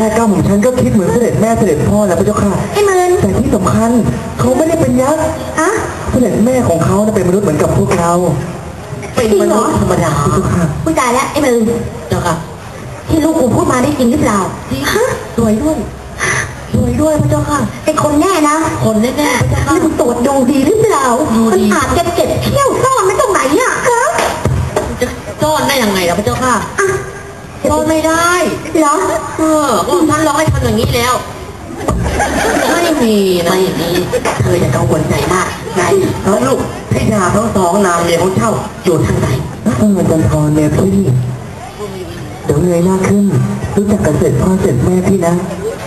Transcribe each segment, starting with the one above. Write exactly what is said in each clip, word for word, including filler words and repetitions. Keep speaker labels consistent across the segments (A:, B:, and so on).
A: ก้าวของฉันก็คิดเหมือนเสด็จแม่เสด็จพ่อแล้วพระเจ้าค่ะ
B: ไอ้เมิน
A: แต่ที่สำคัญเขาไม่ได้เป็นยักษ์
B: อะ
A: เสด็จแม่ของเขาเป็นมนุษย์เหมือนกับพวกเราเป็นมนุษย์ธรรมดาพระเจ้าค่ะ
B: ผู้ตายแล้วไอ้เมิน
A: เจ้าค่ะ
B: ที่ลูกกูพูดมาได้จริงหรือเปล่าฮะ
A: สวยด้วยสวยด้วยพระเจ้าค่ะ
B: เป็นคนแน่นะ
A: คนแน่แน่พระเจ้าค่ะ
B: นี่มึงตรวจดูดีหรือเปล่ามันอาจจะเก็บเขี้ยวซ่อนไม่ตรงไหนอ่ะครับ
A: จะซ่อนได้ยังไงล่ะพระเจ้าค่ะซ่อนไม่ได้
B: เหรอ
A: เออก็ท่านร้องให้ทำอย่างนี้แล้วไม่มีนะไม่มีเธออย่ากังวลใจมากไงแล้วลูกพี่ดาทั้งสองนามเมียของเจ้าอยู่ทางไหนเออจันทร์เมียพี่เดี๋ยวเงยหน้าขึ้นรู้จักกันเสร็จพ่อเสร็จแม่พี่นะ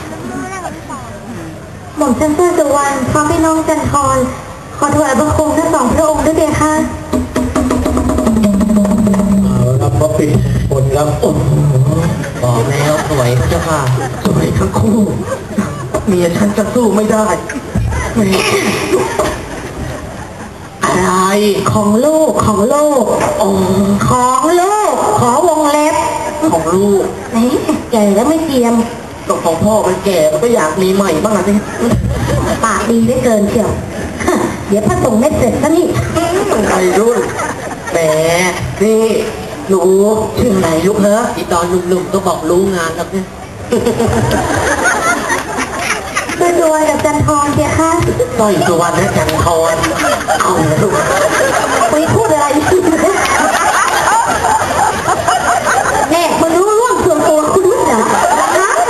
B: หม่อมฉันเพื่อสุวรรณพร้อมพี่น้องจันทร์ขอถวายบังคมทั้งสองพระองค์ด้วยเถิดค่ะ
A: รับพระปิดผลรับอดบอกแล้วสวยพระเจ้าค่ะสวยทั้งคู่เมียฉันจะสู้ไม่ได้อะไร
B: ของลูกของลูกของลูกขอวงเล็บ
A: ของลูก
B: นี่แก่แล้วไม่เทียม
A: ตกของพ่อมันแก่ก็อยากมีใหม่บ้างนะสิ
B: ปากดีได้เกินเชียวเดี๋ยวพระสงฆ์ไม่เสร็จซะนี่
A: ไอ้รุ่นแหมนี่หนูชื่ออะไรลูกเนอะอีตอนหนุ่มๆก็บอกรู้งานแล้วเนี่ย
B: สวยด้วยกับจันทร์เจ้าค่ะ
A: สร้อยสุวรรณและจันทร์เอาลูก
B: ไปพูดอะไรแน่มันรู้ร่วงส่วนตัวคุณรู้เหรอฮะ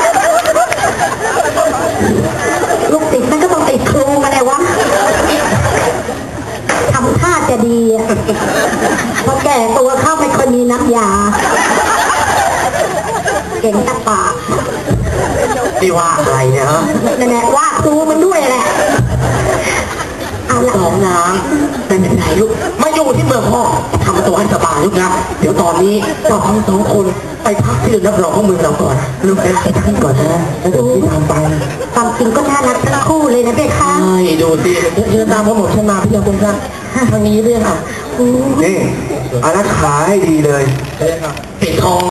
B: ลูกติดมันก็ต้องติดครูมาเลยวะทำท่าจะดีพอแก่ตัวเข้าไม่ค่อยมีน้ำยาเก่งตะปาก
A: นี่ว่าอะไรเนี่ยฮะ
B: นั่นแหละว่าครูมันด้วยแหละเอาละ
A: สองนางเป็นยังไงลูกมาอยู่ที่เมืองพ่อทำตัวให้สบายลูกนะเดี๋ยวตอนนี้เราทั้งสองคนไปพักที่รับรองของเมืองเราก่อนลูกไปพักที่ก่อนนะแล้วเดี๋ยวพี่ทำไป
B: ความจริงก็น่ารักทั้งคู่เลยนะเด็กค่ะ
A: ใช่ดูสิเชิญตามพ่อหมดฉันมาพี่ยาคุณท่านทางนี้เรื่องอ่ะนี่อารักขาให้ดีเลยปิดทอง